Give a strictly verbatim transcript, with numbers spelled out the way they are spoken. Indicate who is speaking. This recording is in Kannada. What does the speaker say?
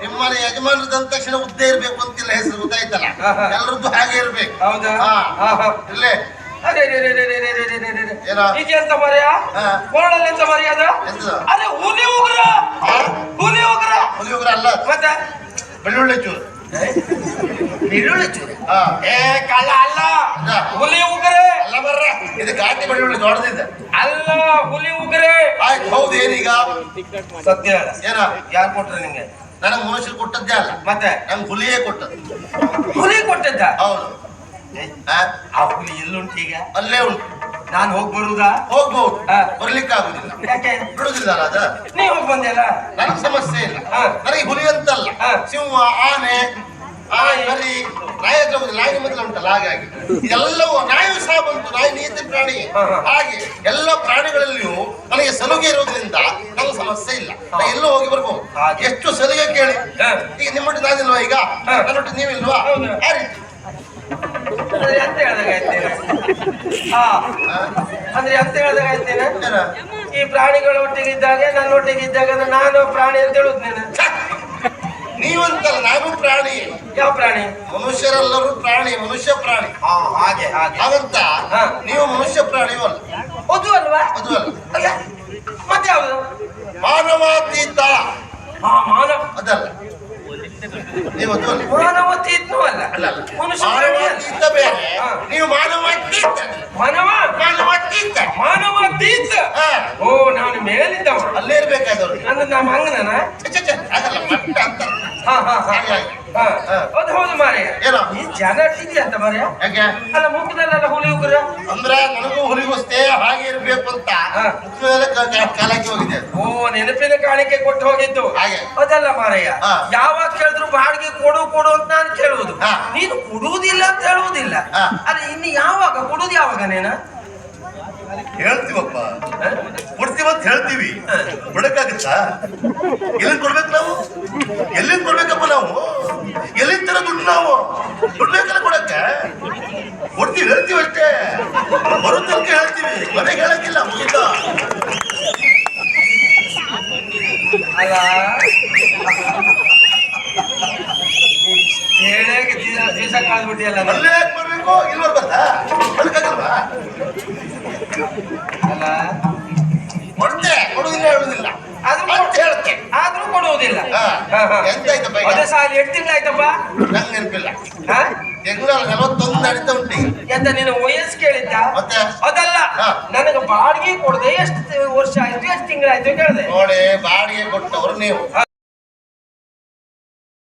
Speaker 1: ನಿಮ್ಮನೆ ಯಜಮಾನರದ ಅಂದ ತಕ್ಷಣ ಉದ್ದೇ ಇರ್ಬೇಕು ಅಂತಿಲ್ಲ, ಹೆಸರು ಗೊತ್ತಾಯ್ತಲ್ಲ, ಎಲ್ಲರದ್ದು ಹಾಗೆ ಇರ್ಬೇಕು.
Speaker 2: ಹೌದಾ?
Speaker 1: ಇಲ್ಲೇ
Speaker 2: ಅರೆ ಇದೆಂತ ಮರ್ಯ ಕೋಳಲ್ಲಿ ಎಂತ ಮರ್ಯಾದ? ಅರೆ ಹುಲಿ ಉಗ್ರ, ಹುಲಿ ಉಗ್ರ,
Speaker 1: ಹುಲಿ ಉಗ್ರ ಅಲ್ಲ
Speaker 2: ಮತ್ತೆ
Speaker 1: ಬೆಳ್ಳುಳ್ಳಿ ಚೂರು.
Speaker 2: ಬೆಳ್ಳುಳ್ಳಿ ಚೂರು ಏ ಕಳ್ಳ ಅಲ್ಲ, ಹುಲಿ ಉಗ್ರೆ
Speaker 1: ಅಲ್ಲ ಬರ್ರ, ಇದು ಘಾಟಿ ಬೆಳ್ಳುಳ್ಳಿ ದೊಡ್ಡದಿದೆ
Speaker 2: ಅಲ್ಲ, ಹುಲಿ ಉಗ್ರೆ.
Speaker 1: ಆಯ್ತು ಹೌದು. ಏನೀಗ
Speaker 2: ಸತ್ಯ ಹೇಳ,
Speaker 1: ಏನ
Speaker 2: ಯಾರು ಕೊಟ್ರೆ ನಿಂಗೆ?
Speaker 1: ನನಗೆ ಮನುಷ್ಯರು ಕೊಟ್ಟದ್ದೇ ಅಲ್ಲ,
Speaker 2: ಮತ್ತೆ
Speaker 1: ನಂಗೆ ಹುಲಿಯೇ ಕೊಟ್ಟದ್ದು.
Speaker 2: ಹುಲಿ ಕೊಟ್ಟದ್ದ?
Speaker 1: ಹೌದು.
Speaker 2: ಆ ಹುಲಿ ಎಲ್ಲುಂಟು ಈಗ?
Speaker 1: ಅಲ್ಲೇ ಉಂಟು.
Speaker 2: ನಾನು ಹೋಗಿ ಬರುವುದಾ?
Speaker 1: ಹೋಗ್ಬಹುದು, ಬರ್ಲಿಕ್ಕೆ ಆಗುದಿಲ್ಲ.
Speaker 2: ಯಾಕೆ
Speaker 1: ಬಿಡುದಿಲ್ಲ ಅದ?
Speaker 2: ನೀ ಹೋಗಿ ಬಂದೆಲ್ಲ,
Speaker 1: ನನಗೆ ಸಮಸ್ಯೆ ಇಲ್ಲ. ನನಗೆ ಹುಲಿ ಅಂತಲ್ಲ, ಸಿಂಹ, ಆನೆ, ನರಿ, ನಾಯಿ ಹತ್ರ ಹೋಗುದಿಲ್ಲ. ನಾಯಿ ಮೊದಲು ಉಂಟಲ್ಲ, ಹಾಗಾಗಿ ಎಲ್ಲವೂ ನಾಯಿ ಸಹ ಬಂತು. ನಾಯಿ ನೀತಿ ಪ್ರಾಣಿ. ಹಾಗೆ ಎಲ್ಲ ಪ್ರಾಣಿಗಳಲ್ಲಿಯೂ ನನಗೆ ಸಲುಗೆ ಇರೋದ್ರಿಂದ ನಂಗೆ ಸಮಸ್ಯೆ ಇಲ್ಲ. ನಾ ಎಲ್ಲೂ ಹೋಗಿ ಬರ್ಬೋದು. ಎಷ್ಟು ಸಲುಗೆ ಕೇಳಿ. ಈಗ ನಿಮ್ಮೊಟ್ಟಿಗೆ ನಾನಿಲ್ವಾ? ಈಗ ನನ್ನೊಟ್ಟಿಗೆ ನೀವಿಲ್ವಾ? ಆ ರೀತಿ
Speaker 2: ಅಂದ್ರೆ ಅಂತ ಹೇಳ್ದಾಗ ಆಯ್ತೇನೆ. ಹಾ ಅಂದ್ರೆ ಅಂತ ಹೇಳ್ದಾಗ ಆಯ್ತೇನೆ. ಈ ಪ್ರಾಣಿಗಳ ಒಟ್ಟಿಗೆ ಇದ್ದಾಗ, ನನ್ನ ಒಟ್ಟಿಗೆ ಇದ್ದಾಗ ನಾನು ಪ್ರಾಣಿ ಅಂತ ಹೇಳುದು ನೀನು.
Speaker 1: ನೀವಂತಲ್ಲ, ನಾನು ಪ್ರಾಣಿ.
Speaker 2: ಯಾವ ಪ್ರಾಣಿ?
Speaker 1: ಮನುಷ್ಯರೆಲ್ಲರೂ ಪ್ರಾಣಿ, ಮನುಷ್ಯ ಪ್ರಾಣಿ.
Speaker 2: ಹಾಗೆ ಹಾಗೆ
Speaker 1: ಹಾಗಂತ ನೀವು ಮನುಷ್ಯ ಪ್ರಾಣಿಯೂ ಅಲ್ಲ.
Speaker 2: ಅದು ಅಲ್ವಾ?
Speaker 1: ಅದು ಅಲ್ಲ.
Speaker 2: ಮತ್ತೆ ಯಾವುದು?
Speaker 1: ಮಾನವಾತೀತ.
Speaker 2: ಹಾ ಮಾನವ
Speaker 1: ಅದಲ್ಲ. ನೀವು ಅದು ಅಲ್ಲ.
Speaker 2: ಮಾನವತೀತನೂ ಅಲ್ಲ.
Speaker 1: ಮಾನವಾತೀತ ಬೇರೆ, ನೀವು ಮಾನವಾತೀತ.
Speaker 2: ಮಾನವ
Speaker 1: ಮಾನವಾತೀತ.
Speaker 2: ಮಾನವಾತೀತ. ಓ ನಾನು ಮೇಲಿದ್ದವ,
Speaker 1: ಅಲ್ಲೇ ಇರ್ಬೇಕಾದವ್ರು.
Speaker 2: ಅಂದ್ರೆ ನಮ್ಮ ಹಂಗನ
Speaker 1: ಅದಲ್ಲ, ಮಟ್ಟ ಅಂತ.
Speaker 2: ಹಾ ಹಾ ಹಾ ಅದು ಹೌದು ಮಾರ್ಯ.
Speaker 1: ಏನೋ
Speaker 2: ಈ ಜನ ಇದೆಯಾ ಅಂತ ಮಾರ್ಯ?
Speaker 1: ಯಾಕೆ
Speaker 2: ಅಲ್ಲ ಮುಖದಲ್ಲೆಲ್ಲ ಹುಲಿ ಉಗ್ರ
Speaker 1: ಅಂದ್ರೆ ನನಗೂ ಹುಲಿಗೋಸ್ತೇ ಹಾಗೆ ಇರ್ಬೇಕು ಅಂತ ಕಾಲಕ್ಕೆ ಹೋಗಿದೆ.
Speaker 2: ಓ ನೆನಪಿನ ಕಾಣಿಕೆ ಕೊಟ್ಟು ಹೋಗಿದ್ದು
Speaker 1: ಹಾಗೆ.
Speaker 2: ಅದಲ್ಲ ಮಾರಯ್ಯ, ಯಾವಾಗ ಕೇಳಿದ್ರು ಬಾಡಿಗೆ ಕೊಡು ಕೊಡು ಅಂತ ನಾನು ಕೇಳುವುದು, ನೀನು ಕೊಡುವುದಿಲ್ಲ ಅಂತ ಹೇಳುವುದಿಲ್ಲ. ಅಲ್ಲ ಇನ್ನು ಯಾವಾಗ ಕೊಡುದು? ಯಾವಾಗ ನೀನು
Speaker 1: ಹೇಳ್ತೀವಪ್ಪ, ಕೊಡ್ತೀವಂತ ಹೇಳ್ತೀವಿ, ಕೊಡಕ್ಕಾಗತ್ತಾ? ಎಲ್ಲಿಂದ ಕೊಡ್ಬೇಕು ನಾವು? ಎಲ್ಲಿಂದ ಕೊಡ್ಬೇಕಪ್ಪ ನಾವು? ಎಲ್ಲಿಂದ ತರ ದುಡ್ಡು ನಾವು? ದುಡ್ಡು ಬೇಕಲ್ಲ ಕೊಡಕ್ಕೆ? ಕೊಡ್ತೀವಿ, ಹೇಳ್ತೀವಿ ಅಷ್ಟೇ. ಬರೋ ತನಕ ಹೇಳ್ತೀವಿ, ಮನೆಗೆ ಹೇಳಕ್ಕಿಲ್ಲ. ಮುಗಿತ
Speaker 2: ಅಲ್ಲ ಹೇಳಕ್ಕೆ ದಿವಸ ಕಳೆದ್ಬಿಟ್ಟಿಯಲ್ಲ.
Speaker 1: ಅಲ್ಲೇ ಯಾಕೆ ಬರ್ಬೇಕು? ಇಲ್ಲಿ ಬರ್ಬಾರ್ದಾ? ಕೊಡಕ್ಕಾಗಲ್ವಾ?
Speaker 2: ಅಲ್ಲ
Speaker 1: ಕೊಡ್ತೆ, ಕೊಡುದಿಲ್ಲ ಹೇಳುದಿಲ್ಲ ಅಂತ ಹೇಳ್ತೆ,
Speaker 2: ಆದ್ರೂ ಕೊಡುವುದಿಲ್ಲ.
Speaker 1: ಎಂತಾಯ್ತಪ್ಪ?
Speaker 2: ಅದೇ ಸಾಲ ಎಷ್ಟು ತಿಂಗಳಾಯ್ತಪ್ಪ?
Speaker 1: ನಂಗೆ ನೆನಪಿಲ್ಲ. ತಿಂಗಳ ನಲವತ್ತೊಂದು ನಡೀತಾ ಉಂಟು.
Speaker 2: ಎಂತ ನಿನ್ನ ವಯಸ್ಸು ಕೇಳಿದ್ದ?
Speaker 1: ಮತ್ತೆ
Speaker 2: ಅದಲ್ಲ, ನನಗೆ ಬಾಡಿಗೆ ಕೊಡದೆ ಎಷ್ಟು ವರ್ಷ ಆಯ್ತು, ಎಷ್ಟು ತಿಂಗಳಾಯ್ತು ಕೇಳಿದೆ.
Speaker 1: ನೋಡಿ, ಬಾಡಿಗೆ ಕೊಟ್ಟವರು ನೀವು.